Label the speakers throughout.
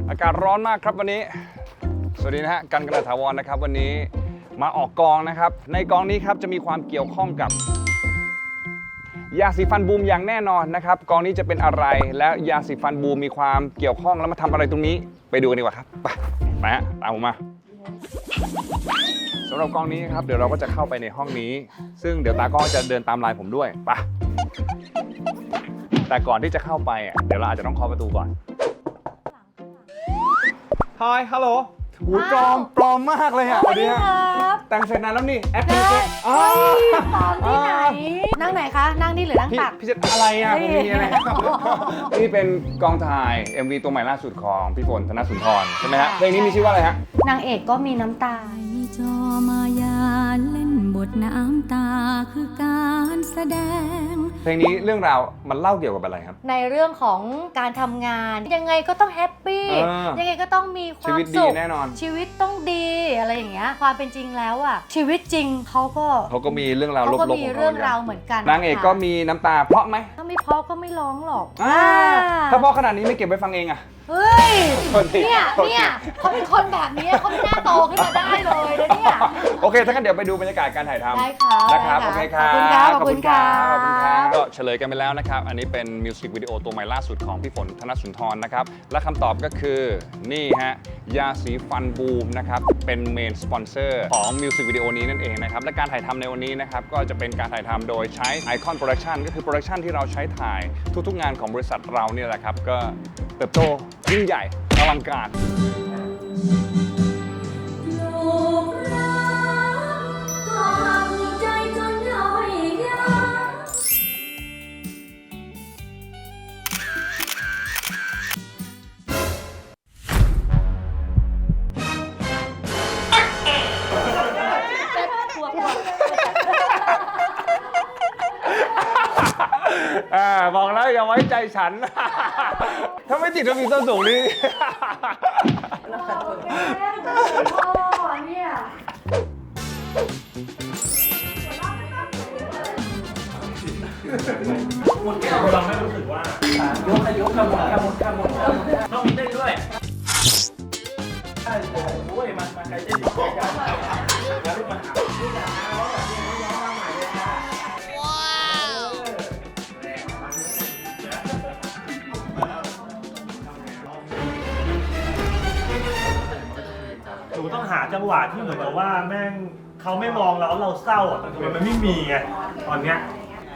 Speaker 1: อากาศร้อนมากครับวันนี้สวัสดีนะฮะกันกระถาวรนะครับวันนี้มาออกกองนะครับในกองนี้ครับจะมีความเกี่ยวข้องกับยาสีฟันบูมอย่างแน่นอนนะครับกองนี้จะเป็นอะไรและยาสีฟันบูมมีความเกี่ยวข้องแล้วมาทำอะไรตรงนี้ไปดูกันดีกว่าครับไปฮะตามผมมาสำหรับกองนี้ครับเดี๋ยวเราก็จะเข้าไปในห้องนี้ซึ่งเดี๋ยวตากล้องจะเดินตามลายผมด้วยไปแต่ก่อนที่จะเข้าไปเดี๋ยวเราอาจจะต้องเคาะประตูก่อนHi Hello หูปลอมมากเลยอ่ะสวัสดีครับแต่งเสร็จนานแล้วนี่แอปพลิเคชัน
Speaker 2: ปลอมที่ไหนนั่งไหนคะนั่งนี่หรือนั่งตัก
Speaker 1: พี่จะอะไรอ่ะผมมีอะไรนี่เป็นกองถ่าย MV ตัวใหม่ล่าสุดของพี่ฝนธนสุนทรใช่ไหมฮะเพลงนี้มีชื่อว่าอะไรฮะ
Speaker 2: นางเอกก็มีน้ำตา
Speaker 3: จอมายาเล่นบทน้ำตาคือการแสดง
Speaker 1: เพลงนี้เรื่องราวมันเล่าเกี่ยวกับอะไรครับ
Speaker 2: ในเรื่องของการทำงานยังไงก็ต้องแฮปปี้ยังไงก็ต้องมีความสุขชีวิต
Speaker 1: ดีแน่นอน
Speaker 2: ชีวิตต้องดีอะไรอย่างเงี้ยความเป็นจริงแล้วอ่ะชีวิตจริงเขาก็
Speaker 1: มีเรื่องราวลบๆของเขา
Speaker 2: เรื่องราวเหมือนกัน
Speaker 1: นางเอกก็มีน้ำตาเพราะไหม
Speaker 2: ถ้าไม่เพราะก็ไม่ร้องหรอก
Speaker 1: ถ้าเพราะขนาดนี้ไม่เก็บไว้ฟังเองอะ
Speaker 2: เฮ้ยเนี่ยเขาเป็นคนแบบนี้เขาไม่น่าโตขึ้นมาได้เลยนะเนี่ย
Speaker 1: โอเคถ้างั้นเดี๋ยวไปดูบรรยากาศการถ่ายทำ
Speaker 2: ได้ค่ะ
Speaker 1: นะครับโอเคครับ
Speaker 2: ขอบคุณครับ
Speaker 1: ก็เฉลยกันไปแล้วนะครับอันนี้เป็นมิวสิกวิดีโอตัวใหม่ล่าสุดของพี่ฝนธนสุนทรนะครับและคำตอบก็คือนี่ฮะยาสีฟันบูมนะครับเป็นเมนสปอนเซอร์ของมิวสิกวิดีโอนี้นั่นเองนะครับและการถ่ายทำในวันนี้นะครับก็จะเป็นการถ่ายทำโดยใช้ Icon Production ก็คือโปรดักชันที่เราใช้ถ่ายทุกๆงานของบริษัทเราเนี่ยแหละครับก็เติบโตยิ่งใหญ่อลังการบอกแล้วอย่าไว้ใจฉันถ้าไม่ติดจะมีต้นสูงนี่
Speaker 4: หมดแก้วเราไม่รู้สึกว่ายกขมวดต้องมีเต้นด้วยใช่โอ้ยมาใครเต้นกันแล้วมาหาหนูต้องหาจังหวะที่เหมือนกับว่าแม่งเขาไม่มองเราแล้วเราเศร้าอ่ะแต่มันไม่มีไงตอนเนี้ย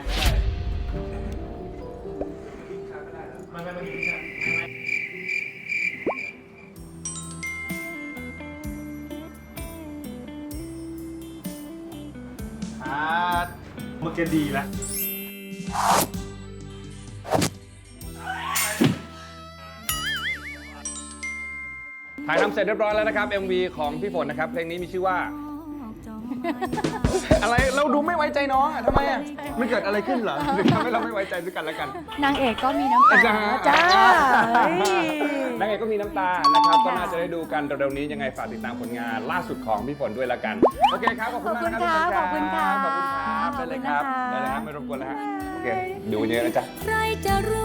Speaker 4: มันก็ดีแล้ว
Speaker 1: ถ่ายทำเสร็จเรียบร้อยแล้วนะครับ MV ของพี่ฝนนะครับเพลงนี้มีชื่อว่าอะไรเราดูไม่ไว้ใจน้องอ่ะทำไมอ่ะมันเกิดอะไรขึ้นเหรอหรือทำให้เราไม่ไว้ใจด้วยกันแล้วกัน
Speaker 2: นางเอกก็มีน้ำตาจ้
Speaker 1: านางเอกก็มีน้ำตานะครับก็น่าจะได้ดูกันเร็วๆนี้ยังไงฝากติดตามผลงานล่าสุดของพี่ฝนด้วยละกันโอเคครับขอบคุณมากนะครับ
Speaker 2: ขอบคุณครับ
Speaker 1: ได้เลยครับได้เลยครับไม่รบกวนแล้วฮะโอเคดูเยอะนะจ๊ะ
Speaker 3: ใครจะรู้